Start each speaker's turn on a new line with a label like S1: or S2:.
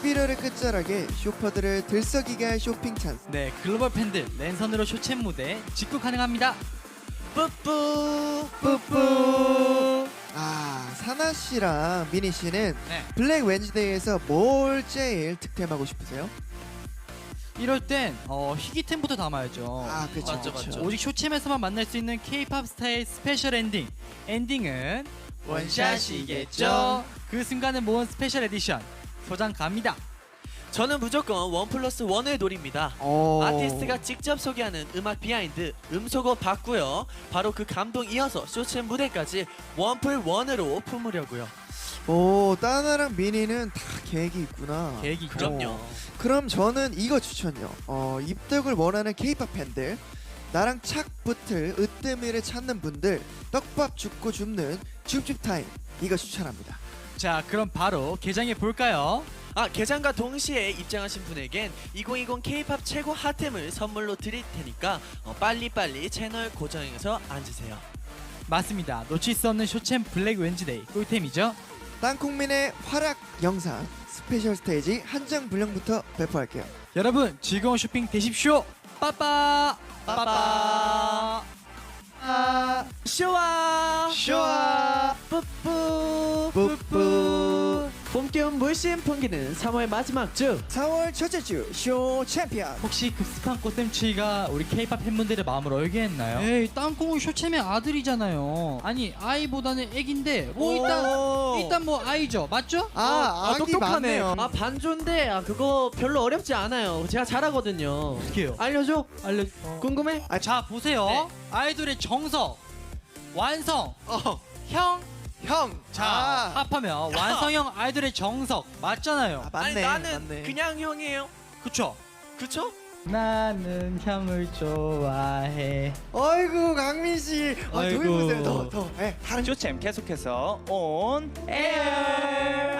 S1: 11월의 끝자락에 쇼퍼들을 들썩이게 할 쇼핑 찬스.
S2: 네, 글로벌 팬들 랜선으로 쇼챔 무대 직구 가능합니다. 뿌뿌 뿌뿌.
S1: 사나 씨랑 미니 씨는
S2: 네.
S1: 블랙 웬즈데이에서 뭘 제일 득템하고 싶으세요?
S2: 이럴 땐 희귀템부터 담아야죠.
S1: 그쵸.
S3: 맞죠.
S2: 오직 쇼챔에서만 만날 수 있는 K-팝 스타일 스페셜 엔딩. 엔딩은 원샷이겠죠. 그 순간을 모은 스페셜 에디션 소장 갑니다.
S3: 저는 무조건 1+1을 노립니다. 아티스트가 직접 소개하는 음악 비하인드 음소거 받고요. 바로 그 감동 이어서 쇼챔 무대까지 1+1으로 품으려고요.
S1: 따나랑 미니는 다 계획이 있구나.
S2: 계획이
S3: 그럼요.
S1: 그럼 저는 이거 추천요. 입덕을 원하는 K-팝 팬들, 나랑 착 붙을 으뜸이를 찾는 분들, 떡밥 줍고 줍는 줍줍 타임 이거 추천합니다.
S2: 자, 그럼 바로 개장해 볼까요?
S3: 개장과 동시에 입장하신 분에겐 2020 K-팝 최고 핫템을 선물로 드릴 테니까 빨리빨리 채널 고정해서 앉으세요.
S2: 맞습니다. 놓칠 수 없는 쇼챔 블랙 웬즈데이 꿀템이죠.
S1: 땅콩민의 활약 영상 스페셜 스테이지 한정 분량부터 배포할게요.
S2: 여러분 즐거운 쇼핑 되십시오. 빠빠
S3: 빠빠. 쇼와 뿌뿌
S1: 뿌뿌.
S3: 봄기운 물씬 풍기는 3월 마지막 주
S1: 4월 첫째 주 쇼 챔피언.
S2: 혹시 급습한 꽃샘추위가 우리 K-팝 팬분들의 마음을 얼게 했나요? 에이, 땅콩은 쇼챔의 아들이잖아요. 아니, 아이보다는 애긴데 일단 뭐 아이죠, 맞죠?
S1: 아기
S3: 똑똑하네.
S1: 맞네요.
S3: 반조인데 그거 별로 어렵지 않아요. 제가 잘하거든요.
S2: 어떻게 해요?
S3: 알려줘. 궁금해?
S2: 자, 보세요.
S3: 네.
S2: 아이돌의 정석, 완성, 형. 자, 합하면 완성형 아이돌의 정석 맞잖아요.
S1: 맞네.
S3: 아니 나는
S1: 맞네.
S3: 그냥 형이에요.
S2: 그쵸?
S3: 그쵸?
S2: 나는 형을 좋아해.
S1: 어이구 강민 씨. 더
S2: 아이고.
S1: 해보세요. 더. 다른
S4: 쇼챔 계속해서 온
S2: 에어.